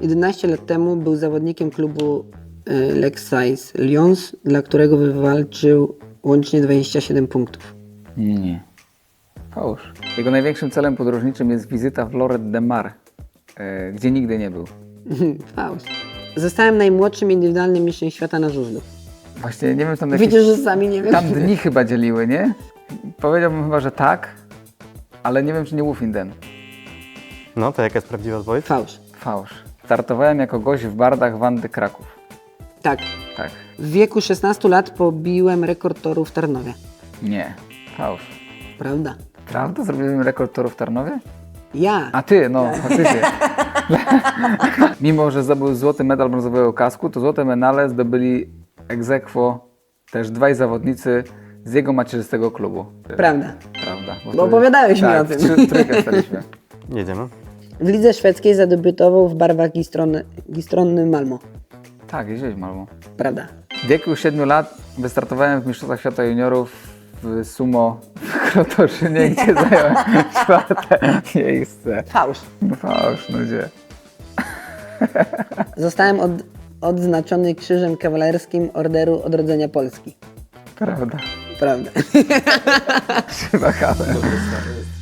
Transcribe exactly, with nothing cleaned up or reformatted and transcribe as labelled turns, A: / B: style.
A: jedenaście lat temu był zawodnikiem klubu y, Lexais Lyons, dla którego wywalczył łącznie dwadzieścia siedem punktów.
B: Nie. Fałsz. Jego największym celem podróżniczym jest wizyta w Lloret de Mar, e, gdzie nigdy nie był.
A: Fałsz. Zostałem najmłodszym indywidualnym mistrzem świata na żużlu.
B: Właśnie nie wiem, tam jakieś...
A: Widzisz, że sami nie wiem.
B: Tam dni chyba dzieliły, nie? Powiedziałbym chyba, że tak, ale nie wiem, czy nie Wufinden.
C: No, to jaka jest prawdziwa odpowiedź?
A: Fałsz.
B: Fałsz. Startowałem jako gość w bardach Wandy Kraków.
A: Tak.
B: Tak.
A: W wieku szesnastu lat pobiłem rekord toru w Tarnowie.
B: Nie. Fałsz.
A: Prawda?
B: Prawda? Zrobiłem rekord toru w Tarnowie?
A: Ja.
B: A ty, no, faktycznie. Mimo że zdobył złoty medal brązowego kasku, to złote medale zdobyli ex aequo też dwaj zawodnicy z jego macierzystego klubu.
A: Prawda.
B: Prawda.
A: Bo
B: wtedy-
A: opowiadałeś mi
B: tak,
A: o tym.
B: Trzy, trójkę staliśmy.
C: Jedziemy.
A: W lidze szwedzkiej zadebiutował w barwach Gistronny, Gistronny Malmo.
B: Tak, jeździłeś Malmo.
A: Prawda.
B: W wieku siedmiu lat wystartowałem w Mistrzostwach Świata Juniorów w sumo w Krotoszynie, gdzie zająłem czwarte miejsce.
A: Fałsz.
B: No fałsz, no gdzie?
A: Zostałem od, odznaczony Krzyżem Kawalerskim Orderu Odrodzenia Polski.
B: Prawda.
A: Prawda.
B: Chyba kawę.